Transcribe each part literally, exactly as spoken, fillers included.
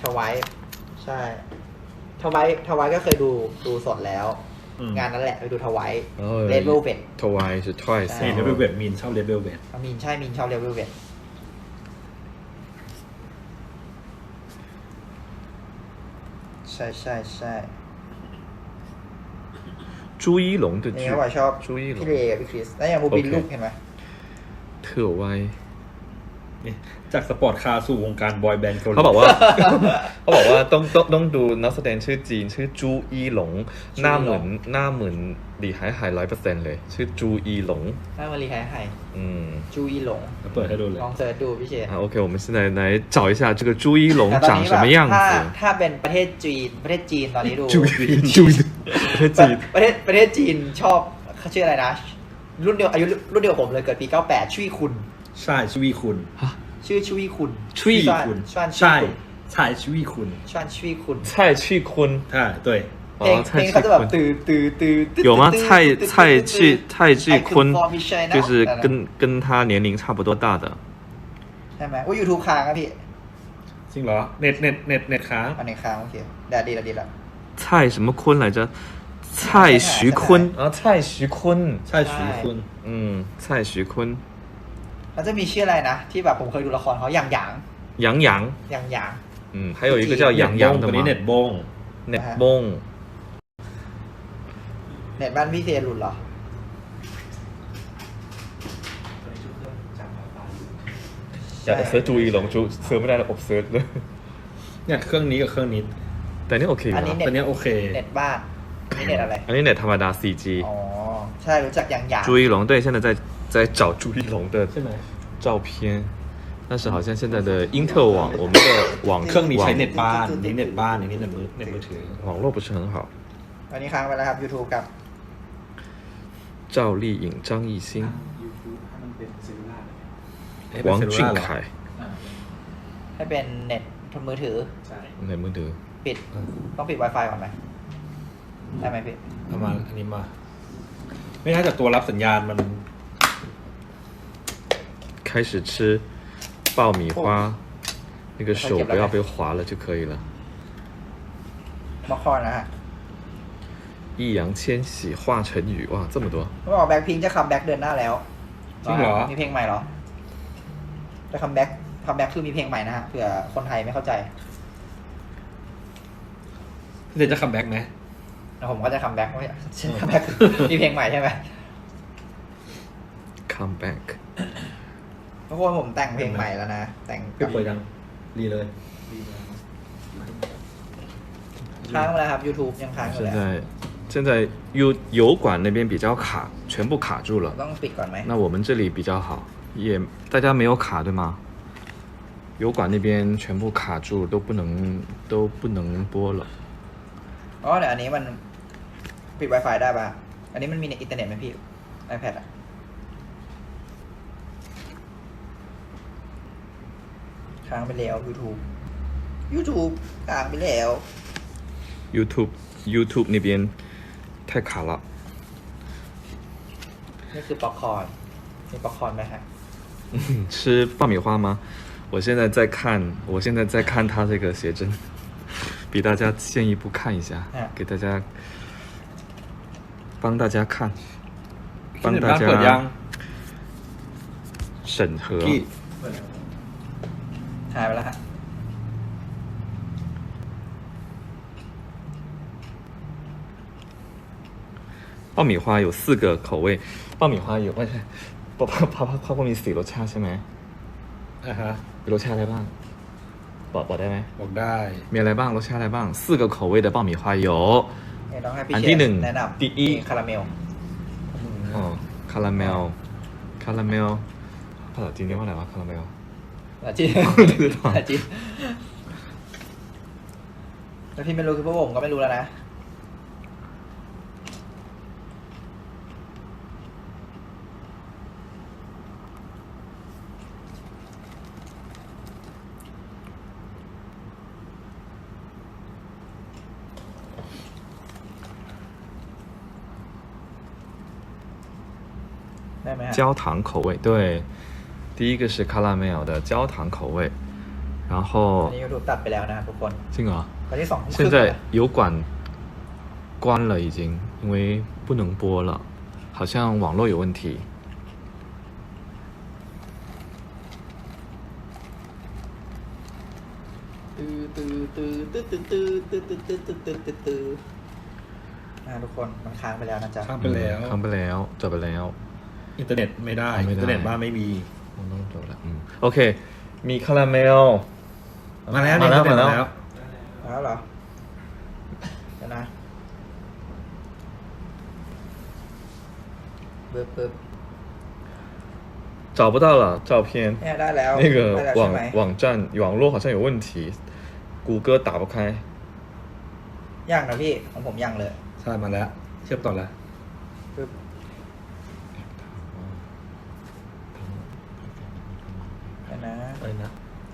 วายใช่ทวายทวายก็เคยดูดูสดแล้ว งานนั้นแหละไปดูทวายเลเวลเวททวาย是 twice เลเวลเวทมีนชอบเลเวลเวทมีนใช่มีนชอบเลเวลเวทใช่ใช่ใช่朱一龙的剧นี่ว่าชอบ朱一龙พี่เลกับพี่คริสแล้วอย่างบูบินลูกเห็นไหม特歪จากสปอร์ตคาร์สู่วงการบอยแบนด์เกาหลีเขาบอกว่าเขาบอกว่าต้องต้องต้องดูนักแสดงชื่อจีนชื่อจูอีหลงหน้าเหมือนหน้าเหมือนหลีหายหายร้อยเปอร์เซ็นต์เลยชื่อจูอีหลงหน้ามารีไฮไฮอืมจูอีหลงเปิดให้ดูเลยลองเสิร์ชดูพี่เชษ啊 OK 我们现在来找一下这个朱一龙长什么样子ถ้าเป็นประเทศจีนประเทศจีนตอนนี้ดูจูอีจูอีประเทศจีนประเทศประเทศจีนชอบเขาชื่ออะไรนะรุ่นเดียวอายุรุ่นเดียวผมเลยเกิดปีเก้าแปดชุยคุณใช่ชุยคุณชื่อชุยคุณชุยคุณใช่ใช่ชุยคุณชวนชุยคุณ蔡去坤ใช่对เพลงเพลงเขาจะแบบตื่นตื่นตื่น有吗蔡蔡去蔡去坤就是跟跟他年龄差不多大的ใช่ไหมว่ายูทูบค้างครับพี่จริงเหรอเน็ตเน็ตเน็ตเน็ตค้างอันนี้ค้างโอเคได้ดีแล้วดีแล้ว蔡什么坤来着蔡徐坤啊蔡徐坤蔡徐坤嗯蔡徐坤แล้วจะมีชื่ออะไรนะที่แบบผมเคยดูละครเขาอย่างอย่าง杨洋อย่างอย่าง嗯还有一个叫杨洋的吗เน็ตบงเน็ตบงเน็ตบ้านพี่เซรุนเหรออยากจะเซิร์ชจูอีหลงจูเซิร์ชไม่ได้แล้วอบเซิร์ชเลยเนี่ยเครื่องนี้กับเครื่องนี้แต่นี่โอเคอันนี้เน็ตอันนี้โอเคเน็ตบ้านนี่เน็ตอะไรอันนี้เน็ตธรรมดา โฟร์จีอ๋อใช่รู้จักอย่างอย่าง朱一龙对现在在在找朱一龙的ใช่ไหม照片但是好像现在的英特网我们的网เครื่องนี้ใช้เน็ตบ้านนี่เน็ตบ้านนี่เน็ตมือเน็ตมือถือ网络不是很好อันนี้ค้างไปแล้วครับ YouTube กับ赵丽颖张艺兴王俊凯ให้เป็นเน็ตมือถือใช่เน็ตมือถือปิดต้องปิด Wi-Fi ก่อนไหมได้ไหมพี่เอามาอันนี้มาไม่น่าจะตัวรับสัญญาณมัน开始吃爆米花那个手不要被划了就可以了มาคอนนะฮะ易烊千玺华晨宇哇这么多เขาบอกแบ็คพิงจะคัมแบ็กเดือนหน้าแล้วจริงเหรอมีเพลงใหม่เหรอจะคัมแบ็กคัมแบ็กคือมีเพลงใหม่นะฮะเผื่อคนไทยไม่เข้าใจเดี๋ยวจะคัมแบ็กไหมผมก็จะคัมแบ็กไม่คัมแบ็กมีเพลงใหม่ใช่ไหม come back ทุกคนผมแต่งเพลงใหม่แล้วนะแต่งเปิดยังรีเลยค้างไปแล้วครับ YouTube ยังค้างอยู่现在现在油油管那边比较卡全部卡住了ต้องปิดก่อนไหม那我们这里比较好也大家没有卡对吗油管那边全部卡住都不能都不能播了อ๋อเดี๋ยวอันนี้มันปิด Wi-Fi ได้ป่ะอันนี้มันมีในอินเทอร์เน็ตไหมพี่ iPad อ่ะค้างไปแล้ว YouTube YouTube ค้างไปแล้ว YouTube YouTube 那边太卡了นี่คือป๊อปคอร์นมีป๊อปคอร์นไหมฮะ吃爆米花吗我现在在看我现在在看他这个写真比大家先一步看一下给大家帮大家看帮大家审核หายไปแล้วฮะ爆米花有四个口味爆米花有ไม่ใช่ป๊อปป๊อปป๊อปมีสี่รสชาติใช่ไหมอ่าฮะมีรสชาติอะไรบ้างบอกบอกได้ไหมบอกได้มีอะไรบ้างรสชาติอะไรบ้าง四个口味的爆米花有อันที่หนึ่งแนะนำ第一คาราเมลอ๋อคาราเมลคาราเมลภาษาจีนเรียกว่าอะไรวะคาราเมลภาษาจีนภาษาจีนแล้วพี่ไม่รู้คือพวกผมก็ไม่รู้แล้วนะ焦糖口味对第一个是卡拉梅尔的焦糖口味然อั后นนี้ YouTube ตัดไปแล้วนะครับทุกคน这个ตอนที่สองทุ่มค现รึ่ง在油管关了已经，因为不能播了，好像网络有问题。 ตื้อตื้อตื้อตื้อตื้อตื้อตื้อตื้อตื้อตื้อตื้อตื้ออ่าทุกคนมันค้างไปแล้วนะจ๊ะข้ามไปแล้วข้ามไปแล้วจบไปแล้วอินเทอร์เน็ตไม่ได้ไม่ได้อินเทอร์เน็ตบ้านไม่มีผมต้องจบแล้วอืมโอเค มีคาราเมลมาแล้วมาแล้วอินเทอร์เน็ตมาแล้วมาแล้วเหรอเดี๋ยวนะเบิบเบิบ找不到了照片เนี่ยได้แล้ว那个ได้แล้วใช่网ไหม网站网络好像有问题谷歌打不开ยังนะพี่ของผมยังเลยใช่มาแล้ว เชื่อมต่อแล้วปึ๊บเดี๋ยวนะอะไรนะ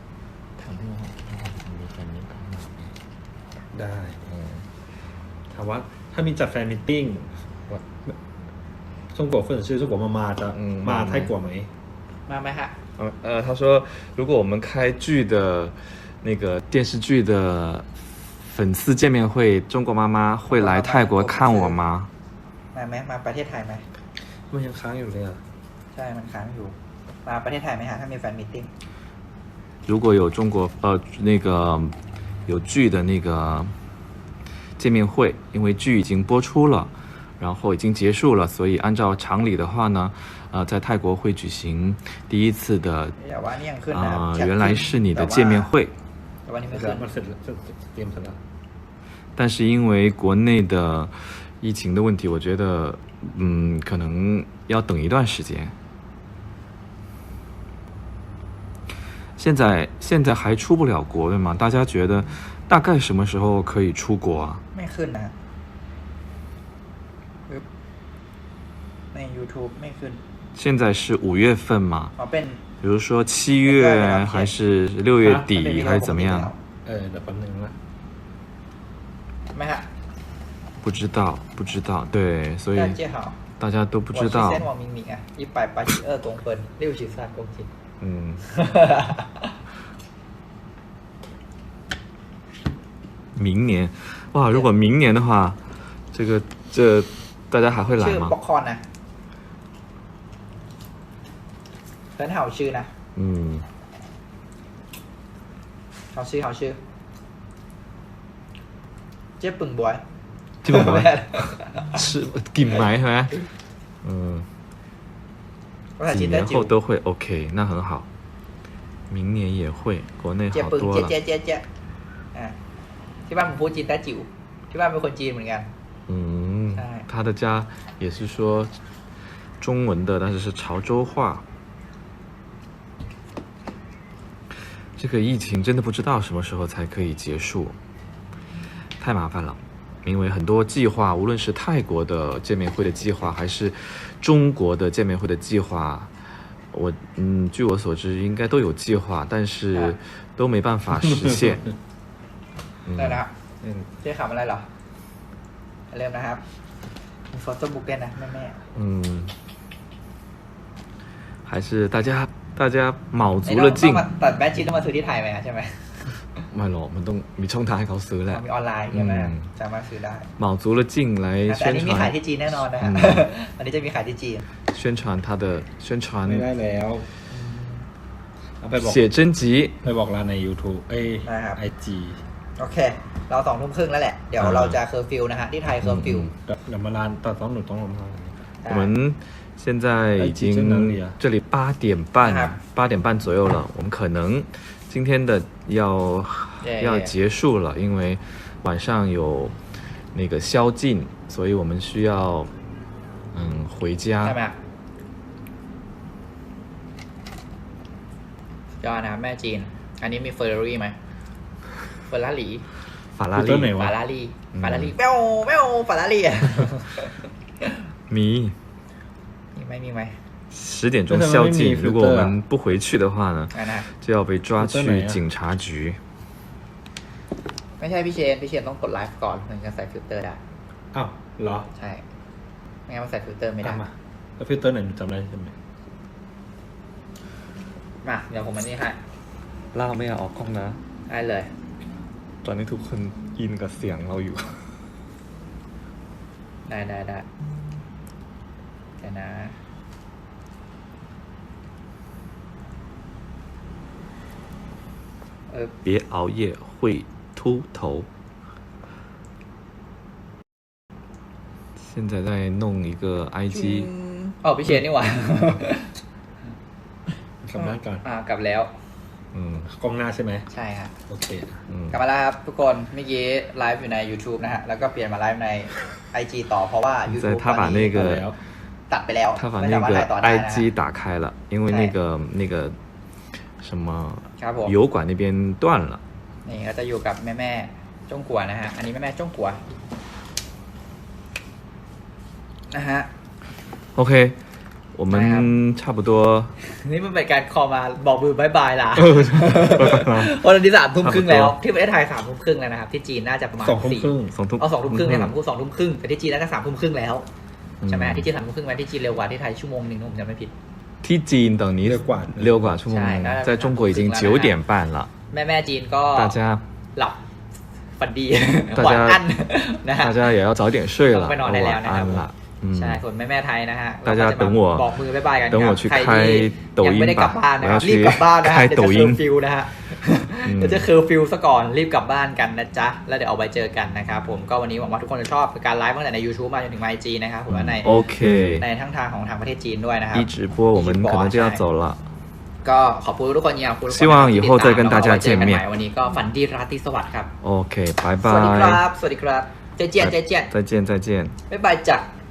ได้ถามว่าถ้ามีจัดแฟนมิทติ้ง中国分是中国妈妈的嗯มามาไหม泰国ไหมมาไหมฮะ呃呃，他说如果我们开剧的那个电视剧的粉丝见面会，中国妈妈会来泰国看我吗？ มาไหมมาประเทศไทยไหมมันยังค้างอยู่เลยอ่ะใช่มันค้างอยู่ มาประเทศไทยไหมฮะถ้ามีแฟนมีตติ้ง如果有中国呃那个有剧的那个见面会，因为剧已经播出了，然后已经结束了，所以按照常理的话呢，呃，在泰国会举行第一次的อย่าว่านี่ยังขึ้นนะครับ啊、 แชท原来是你的见面会。 แต่ว่านี่ไม่เสร็ขึ้จนมันเสร็จแล้วเตรียมเสร็จแล้ว但是因为国内的疫情的问题，我觉得嗯可能要等一段时间。现在现在还出不了国对吗？大家觉得大概什么时候可以出国啊？ ไม่ขึ้นนะปึ๊บใน YouTube ไม่ขึ้น现在是五月份嘛？ อ๋อเป็น比如说七月还是六月底还是怎么样？ เออเดี๋ยวแป๊บนึงนะไหมฮะ不知道，不知道，对，所以大家好大家都不知我是道เส้น。วอมิงมิงอ่ะยี่ปลายปลาชิเออร์กงเฟินเรียวชิซานกงจิน嗯，明年，哇，如果明年的话，这个这大家还会来ชื่อ吗บ็อก？คอนนะเฟินเห่าชื่อนะ嗯， เห่าชื่อเห่าชื่อ เจ๊ปึ่งบวย基本上吃紧埋是吧？嗯， ภาษาจี几นได้年จิ๋ว后都会 OK，那很好。明年也会，国内เจ๊好ปึ่ง多เจ๊了。 เจ๊เจ๊เจ๊อ่ะที่บ้านผมพูดจีนได้จิ๋วที่บ้านเป็นคนจีนเหมือนกัน嗯哎， 他的家也是说中文的，但是是潮州话。这个疫情真的不知道什么时候才可以结束，太麻烦了。因为很多计划，无论是泰国的见面会的计划，还是中国的见面会的计划，我嗯，据我所知应该都有计划，但是啊都没办法实现。嗯ได้แล้วอืมเจ๊ขำอะไรเหรอ เริ่มนะครับมีโฟโต้บุ๊กด้วยนะแม่แม่嗯，还是大家大家卯ๆ足了劲ต้องมาตัดแบทจีนต้องมาซื้อที่ไทยไหมใช่ไหมไม่หรอกมันต้องมีช่องทางให้เขาซื้อแหละมีออนไลน์ใช่ไหมอืมสามารถซื้อได้卯足了劲来แต่อัน宣นี้มีขาย传ที่จีนแน่นอนนะฮะอืมอันนี้จะมีขายที่จีน宣传他的宣传ไม่ได้แล้วเอาไปบอก写真集ไปบอกร้านใน YouTube เอ้ยนะครับไอจีโอเค เราสองทุ่มครึ่งแล้วแหละ เดี๋ยวเราจะเคอร์ฟิวนะฮะ ที่ไทยเคอร์ฟิวเดี๋ยวเดี๋ยวมาร้านตอนสองหนูต้องลงมา我们现在已哎几在哪里经啊这里八点啊半八点半左右了，我们可能今天的要耶要耶结束了，因为晚上有那个宵禁，所以我们需要嗯回ใช่ไหม家。 ฮะยอดนะครับแม่จีน อันนี้มีเฟอร์รารี่ไหมเฟอร์รารี่法拉คือต้นไหน利วะฟารารี่อืมฟารารี่แมวแมวฟารารี่อ่ะ迷มีไหมมีไหม十点钟宵禁，如果我们不回去的话呢， อ่ะนะ就要被抓去警察局。 ไม่ใช่พี่เชน พี่เชนต้องกดไลฟ์ก่อนถึงจะใส่ฟิลเตอร์ได้อ้าวเหรอใช่ ไม่งั้นมันใส่ฟิลเตอร์ไม่ได้ตามมาแล้วฟิลเตอร์ไหนหนูจำได้ใช่ไหมมา เดี๋ยวผมอันนี้ให้เล่าไม่เอาออกกล้องนะได้เลยตอนนี้ทุกคนอินกับเสียงเราอยู่ได้ได้ได้เดี๋ยวนะเออ别熬夜会秃头现在在弄一个 I G อ๋อพี่เชนนี่หว่ากลับมาก่อนอ่ากลับแล้วอืมกล้องหน้าใช่ไหมใช่ครับโอเคอืมกลับมาแล้วครับทุกคนเมื่อกี้ไลฟ์อยู่ใน YouTube นะฮะ แล้วก็เปลี่ยนมาไลฟ์ใน ไอ จี ต่อเพราะว่า在 YouTube 他把那ก็个แล้วตัดไปแล้ว他把ไม่那สามารถ个ถ่ายต่อได้นะ I G 打开了，因为那个那个什么ครับผม油管那边断了。 นี่ก็จะอยู่กับแม่แม่ๆจ้งกัวนะฮะ อันนี้แม่แม่ๆจ้งกัวนะฮะ OK，我们差不多นี่มันเป็นการคอลมาบอกมือบายบายล่ะเออบ๊ายบายล่ะวันนี้สามทุ่มครึ่งแล้วครับที่ประเทศไทยสามทุ่มครึ่งแล้วนะครับ ที่จีนน่าจะประมาณสองทุ่มสี่ครึ่งสองทุ่มเอาสองทุ่มครึ่งเนี่ยสามทุ่มสองทุ่มครึ่งแต่ที่จีนน่าจะสามทุ่มครึ่งแล้วอืมใช่ไหมที่จีนสามทุ่มครึ่งไหมที่จีนเร็วกว่าที่ไทยชั่วโมงหนึ่งถ้าผมจำไม่ผิดที่จีน等于六管六管ชั่วโมงใช่น่าจะ在中国已经九点半了แม่แม่ๆจีนก็大家หลับฝันดี大家หวานอันนะฮะ大家也要早点睡了ต้องไปนอนได้แล้วนะครับ晚安了嗯ใช่ส่วนแม่แม่ๆไทยนะฮะ大家เรก็จะ等我บอกมือบายบายกัน等我ครับ去ใคร开ที่抖ยัง音ไม่ได้กลับ吧บ้านนะ我ค要รับรีบ去กลับบ้านนะฮะ开เดี๋ยว抖จะเคอ音ร์ฟิวนะฮะอืมเดี๋ยวจะเคอร์ฟิวซะก่อนรีบกลับบ้านกันนะจ๊ะแล้วเดี๋ยวเอาไปเจอกันนะครับผมก็วันนี้หวังว่าทุกคนจะชอบการไลฟ์ตั้งแต่ใน YouTube มาจนถึง ไอ จี นะครับผมว่าใน OK ในทั้งทางของทางประเทศจีนด้วยนะครับ一直播我们可能就要走了ก็ขอบคุณทุกคนอย่างคุณทุกคน希望以后再跟大家见面แล้วก็ไว้เจอกันใหม่วันนี้ก็ฝันดีราตรีสวัสดิ์ครับ OK 拜สวัสดีครั拜บ สวัสดีครับเจเจียนเจเจียน再见再见บ๊ายบายจ้ะ